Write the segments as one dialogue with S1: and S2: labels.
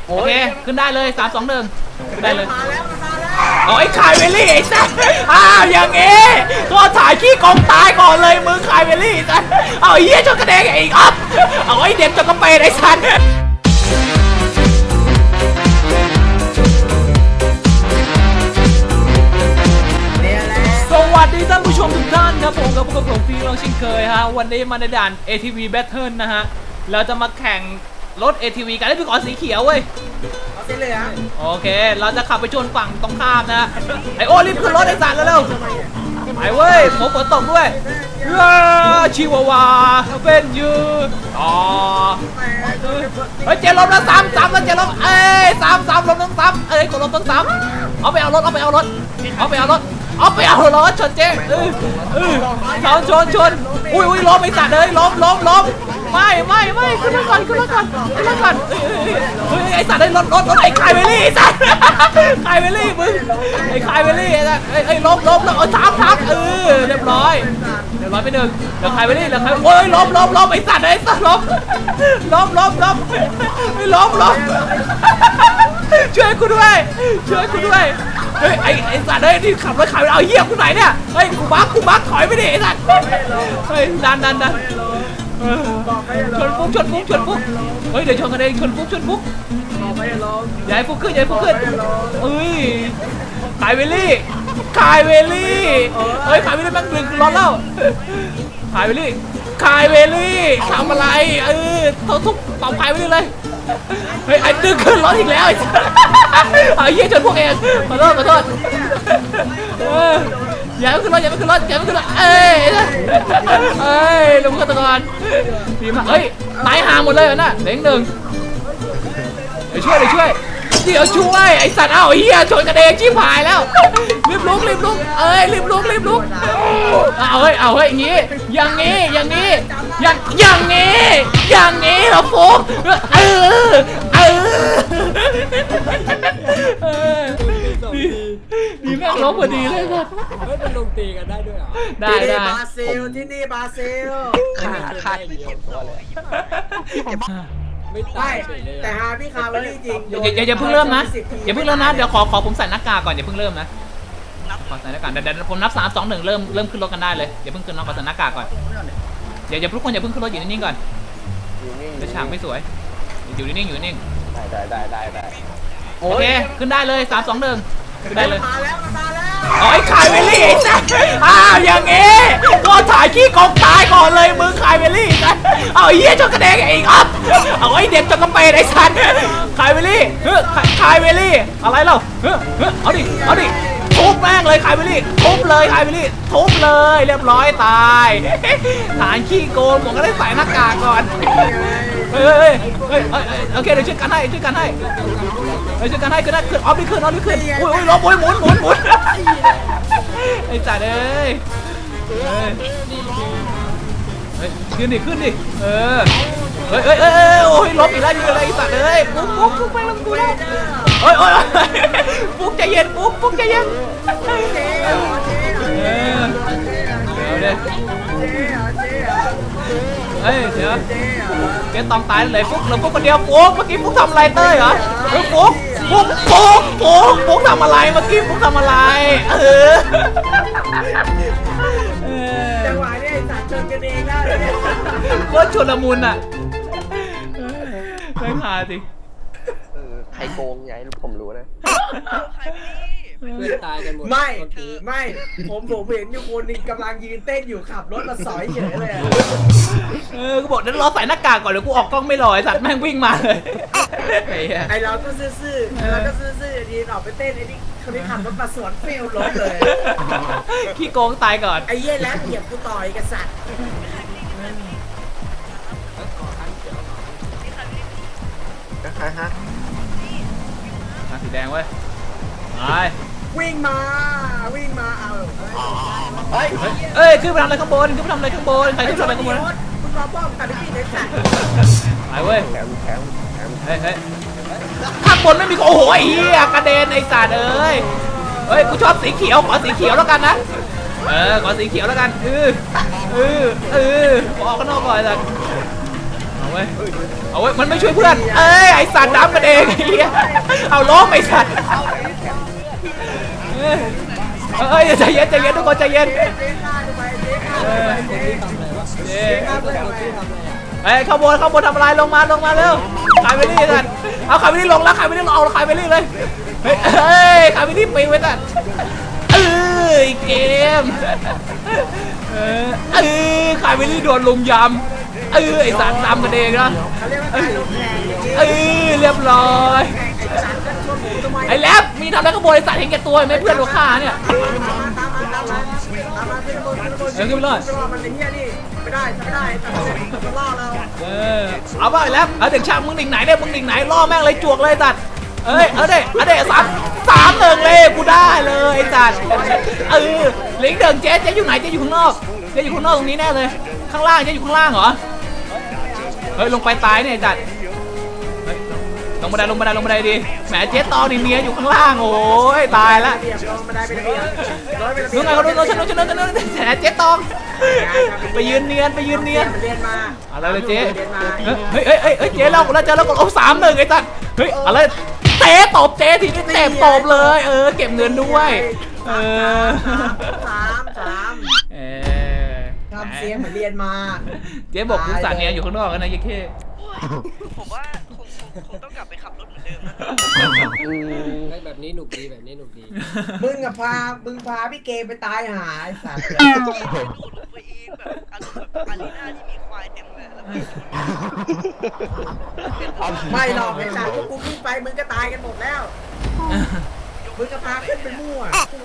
S1: โอเคขึ้นได้เลย3 2 1ขึ้นได้เลย
S2: มาแล้ว
S1: เอาไอ้คายเวลลี่ไอ้สัสอย่างงี้ตัวถ่ายขี้กองตายก่อนเลยมึงคายเวลลี่สัสเอาไอ้เหี้ยจนกระเด็นไอ้อ๊อฟเอาไอ้เด็กจนกระเปรไอ้สัสสวัสดีท่านผู้ชมทุกท่านครับผมกับผมฟีลองเช่นเคยฮะวันนี้มาในด่าน ATV Battle นะฮะเราจะมาแข่งรถ ATV กันได้พี่ขอสีเขียวเว้ย
S2: สีเหลือง
S1: โอเคเราจะขับไปชนฝั่งตรงข้ามนะไอโอรีบขึ้นรถไอสัตว์แล้วเร็วไปเว้ยฝนตกด้วยชิวาวาเป็นยูอ๋อเฮ้ยเจลมแล้วซ้ำแล้วเจลมซ้ำลมต้องซ้ำกดลมต้องซ้ำเอาไปเอารถชนเจ๊ชนอุ้ยล้มไอสัตว์เลยล้มไม่ขึ้นมาก่อนไอสัตว์ได้รถไอ้คายเวลี่ไอสัตว์คายเวลี่มึงไอ้คายเวลี่ไอ้สัตว์ไอ้ล้มทับเรียบร้อยไปหนึ่งเดี๋ยวคายเวลี่โอ้ยล้มไอสัตว์ล้มช่วยกูด้วยเฮ้ยไอ้สัตว์ที่ขับรถขายเอาเหี้ยกูไหนเนี่ยเฮ้ยกูบักถอยไปดิไอ้สัตว์เฮ้ยดันชนฟุกเฮ้ยเดี๋ยวชนกันเองชนฟุกอย่าให้ฟุกขึ้นเอ้ยคายเวลี่เฮ้ยคายเวลี่แม่งดึงร้อนแล้วคายเวลี่ทำอะไรเขาทุบเป่าคายเวลี่เลยเฮ้ยไอ้ดึงขึ้นรถอีกแล้วไอ้เหี้ยชนพวกเองขอโทษอย่าไม่ขึ้นรถเอ้ยลงกันตะกอนดีมากเฮ้ยตายห่างหมดเลยน่ะเด้งหนึ่งเดี๋ยวช่วยไอ้สัตว์ไอ้เหี้ยชนกันเองชิบหายแล้วรีบลุกเอาเฮ้ยอย่างงี้เหรอโฟกดีแม่งล้มพอดีเลยครับ
S3: ไม่เป็นลงตีกันได้ด้วยเหรอ
S1: ได้
S2: บราซิลที่นี่บราซิล
S3: ขาดไม่เก็บตัวเลยไม่ตาย
S2: แต่หาพี่คาร์วลี่จริง
S1: อย่าเพิ่งเริ่มนะเดี๋ยวขอผมใส่หน้ากากก่อนอย่าเพิ่งเริ่มนะขอใส่หน้ากากเดี๋ยวผมนับ3 2 1เริ่มขึ้นรถกันได้เลยอย่าเพิ่งขึ้นรถขอใส่หน้ากากก่อนอย่าทุกคนอย่าเพิ่งขึ้นรถอยู่นิ่งๆก่อนเดี๋ยวฉากไม่สวยอยู่นิ่ง
S3: ได้
S1: โอเคขึ้นได้เลย3 2 1ขึ้นได้เลย
S2: มาแล้ว
S1: ไอ้คายเวลลี่ไอ้สัสอย่างงี้ตัวถ่ายขี้กองตายก่อนเลยมึงคายเวลลี่สัสเอาไอ้เหี้ยจนกระเด็นไอ้อ๊อฟเอาไอ้เด็กจนกระเปรไอ้สัสคายเวลลี่อะไรเล่าเอาดิทุบแม่งเลยคายเวลลี่ทุบเลยเรียบร้อยตายฐานขี้โกงผมก็ได้ใส่หน้ากากก่อนเฮ้ยโอเคเดี๋ยวช่วยกันให้ขึ้นได้ขึ้นออฟนี่ขึ้นอุ้ยล้มหมุนไอ้จ่าเอ้ยขึ้นดิเฮ้ยโอ้ยล้มอีกแล้วยืนอะไรไอ้จ่าเอ้ยปุ๊บไปลงกูแล้วโอ้ยปุ๊บใจเย็นปุ๊บใจเย็นเดี๋ยวเจ๊ต้องตายเลยฟุกเราฟุกคนเดียวฟุกเมื่อกี้ฟุกทำอะไรเต้ยเหรอฟุกทำอะไรเมื่อกี้ฟุกทำอะไร
S2: จังหวะนี้สัตว์ชนกันเองได้
S1: โคตรชุลมุนอ่ะไม่พาสิ
S3: ใครโกงไงผมรู้นะเพื่อนตายกันหมด
S2: ไม่ผมเห็นอยู่คนนึงกำลังยืนเต้นอยู่ขับรถมาสอยเฉยเลย
S1: กูบอกเดี๋ยวรอใส่หน้ากากก่อนเดี๋ยวกูออกกล้องไม่รอไอ้สัตว์แม่งวิ่งมาเลย
S2: ไอเราก็ซื่อดีออกไปเต้นไอ้นี่คนนี้ขับรถมาสวนฟิลรถเลย
S1: ขี้โกงตายก่อน
S2: ไอ้เหี้ยแล้วเหยียบกูต่อยกับสัตว์
S1: สีแดงเว้ย
S2: วิ่งมาเอา
S1: ขึ้นไปทำอะไรข้างบนใครขึ้นไปทำอะไรข้างบน
S2: มึงรอป้อมกันพี่ในสัตว์
S1: ไปเว้ย
S3: แข็ง
S1: ข้างบนไม่มีโอ้โหไอ้เหี้ยกระเด็นไอ้สัตว์เอ้ยกูชอบสีเขียวขอสีเขียวแล้วกันนะขอสีเขียวแล้วกันขอออกข้างนอกก่อนสัตว์เว้ยเอาไว้มันไม่ช่วยเพื่อนเอ้ยไอสัตว์น้ำกระเด็นไอ้เหี้ยเอาล้มไอสัตว์เอ้ยใจเย็นใจเย็นทุกคนใจเย็น
S2: เจ๊ฆ่าทำไมเจ๊ฆ่าทำไมเจ๊
S1: เอ้ย
S2: ฆ่าทำไม
S1: เอ้ยข้างบนทำอะไรลงมาเร็วขายไปนี่กันเอาขายไปนี่ลงแล้วขายไปนี่เอาขายไปนี่เลยเฮ้ยขายไปนี่ปีไว้กันเกมขายไปนี่โดนลุมยำไอสารตามกันเองนะ
S2: เขาเรียกว่าการลงแรงเจ๊
S1: เรียบร้อย
S2: ไอ้สารกันชนหมูทำไม
S1: ไอ้แล็บมีทำอะไรก็โบยสัตว์เห็นแก่ตัวไม่เพื่อนเราฆ่าเนี่ย
S2: ตามมาขึ้นบนมันไอ้เหี้ยนี่ไม่ได้แต่มันล่อเรา
S1: เอาป่ะไอ้แล็บเอาเด็กช่างมึงดิ่งไหนเนี่ยมึงดิ่งไหนล่อแม่งเลยจวกเลยสัตว์เอาเด็ก3-1เลยกูได้เลยไอ้สัตว์ลิงเดิงเจ๊อยู่ไหนเจ๊อยู่ข้างนอกเจ๊อยู่ข้างนอกตรงนี้แน่เลยข้างล่างเจ๊อยู่ข้างล่างเหรอเฮ้ยลงไปตายเนี่ยไอ้สัตว์ลงบันไดดิแหมเจ๊ตองนี่เมียอยู่ข้างล่างโอ้ยตายละ
S2: ลงมาได้เป็นระเบียบร้อยเป็นระเบี
S1: นู้
S2: ย
S1: น
S2: บ
S1: ไงเขาโดนแหมเจ๊ตองไปยืนเนียน
S2: เรียนมา
S1: อะไรเลยเจ๊เฮ้ยเจ๊เราเจอแล้วกด3-1ไอ้สัตว์เฮ้ยอะไรเตะตบเจ๊ทีนี้เตะตบเลยเก็บเงินด้วย
S2: 3ทำเสียงเหมือนเรียนมา
S1: เจ๊บอกกูสั่งเนียอยู่ข้างนอกกันนะยี่เข้
S4: ผมว่าคงต้องกลับไปขับรถเหมือนเดิมนะ
S3: แบบนี้หนุกดีแบบนี้หนุกดี
S2: มึงพาพี่เกไปตายหาไอ้สัตว์
S4: ดูดลงไปเองแบบอารมณ์แบบอารีนาที่มีควายเต็มเลยแล้ว
S2: ไม่หรอกไอ้สัตว์พวกกูขึ้นไปมึงก็ตายกันหมดแล้วมึงก็พาขึ้นไปมั่ว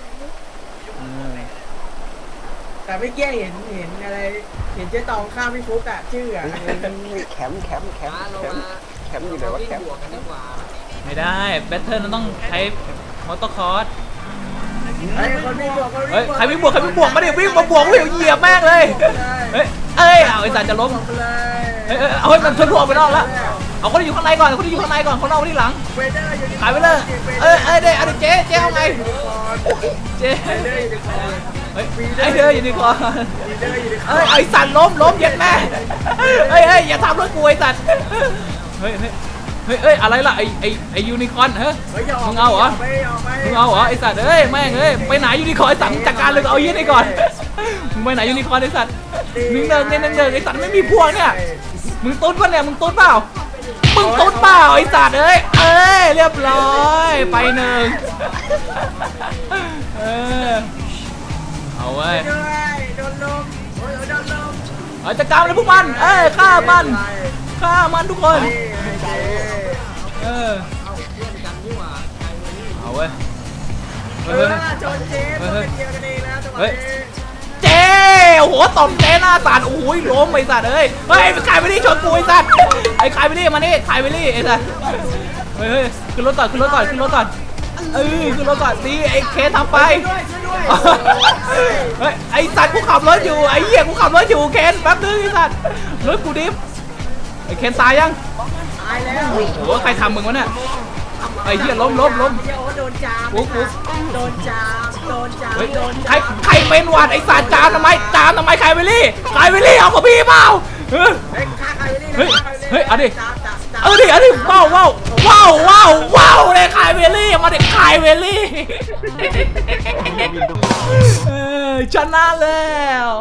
S2: แต่ไม่เกี้ยเห็นอะไรเห็นเจ๊ตองข้ามพี่ฟุกอะชื่ออะ
S3: แคมป์เรามาแคมป์อยู่ไหนวะแคมป์กันดีกว่า
S1: ไม่ได้แบทเทิลมันต้องใช้มอเตอร์คอร์ส
S2: ไอ้คนไม่บวก
S1: ใครไม่บวกมาดิวิ่งมาบวกวิ่งเหยียบแม่งเลยเอาไอ้สัตว์จะล้ม
S2: ไปเลย
S1: เอาให้มันทะลุออกไปนอกแล้วเอาคนที่อยู่ข้างในก่อนคนนอกที่หลัง
S2: เวเดอร์อยู่
S1: ขายไปเลยเดี๋ยวเจ๊เอาไงเจ๊
S2: เวเดอร์อยู่ในคอ
S1: ไอเธออยู่ดีกว่า
S2: วีเดอร์อยู่ในคอ
S1: ไอสัตว์ล้มเย็ดแม่อย่าทำรถกูไอสัตว์อะไรล่ะไอยูนิคอร์นเฮ้ยมึงเอาเหรอไอสัตว์แม่งไปไหนยูนิคอร์นไอสัตว์จัดการเลยเอายี่นี่ก่อนมึงไปไหนยูนิคอร์นไอสัตว์นึงเดินไอสัตว์ไม่มีพวงเนี่ยมึงตุ๊ดป่ะเนี่ยมึงตุ๊ดเปล่าไอสัตว์เรียบร้อยไป1เอาเว้ย
S2: โดนลมโดนลม
S1: จัดการเลยพวกมันฆ่ามันทุกคนเอาเว้ย
S2: โจนเจ๊เป็นเดียวกันเองแล้วจังหวะนี้
S1: เจ๊โอ้โหตบเจ๊หน้าสัตว์โอ้ยล้มไอ้สัตว์เฮ้ยขายไปนี่ชนกูไอ้สัตว์ขายไปนี่มานี่ขายไปนี่ไอ้สัตว์ขึ้นรถก่อนขึ้นรถก่อนขึ้นรถก่อนดีไอ้เคนทำไปไอ้สัตว์กูขับรถอยู่ไอ้เหี้ยกูขับรถอยู่เคนแป๊บนึงไอ้สัตว์รถกูดิฟไอ้เคนตายยัง
S2: ตายแล้ว
S1: โอ้โหใครทำมึงวะเนี่ยไอ้เหี้ยล้ม
S2: โดนจามโดนจาม
S1: ใครเป็นหวัดไอ้สัตว์จามทำไมใครไปรี่เอากับพี่เปล่าเฮ้ยเอาดิว้าวเลยคายเวลลี่มาเด็กคายเวลลี่ชนะแล้ว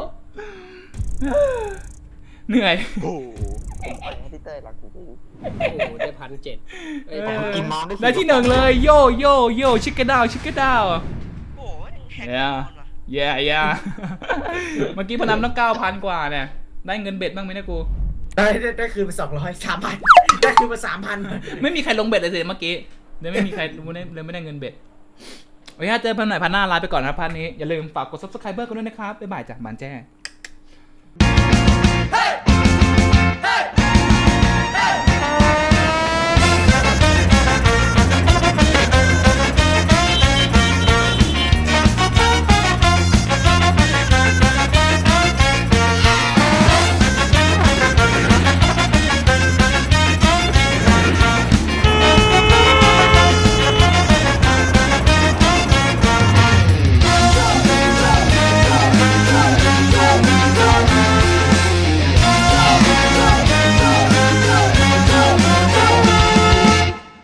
S1: เหนื่อย
S3: โอ้ผมไปให้พี่เต้ยรักจริงโอ้ได้1,700กินน้ำได้
S1: ได้ที่1เลยโยชิคเก้นดาว
S4: โอ้ยแข็ง
S1: ย่าเมื่อกี้พนันต้อง 9,000 กว่าเนี่ยได้เงินเบ็ดบ้างไหมเนี่ยกู
S2: ได้คืนไป300 ได้คืนมา3,000
S1: ไม่มีใครลงเบ็ดเลยสิเมื่อกี้เลยไม่มีใครเลยไม่ได้เงินเบ็ดโอเคเจอพันหน่อยพันหน้าลาไปก่อนนะพันนี้อย่าลืมฝากกด subscribe กันด้วยนะครับบ๊ายบายจากบานแจ้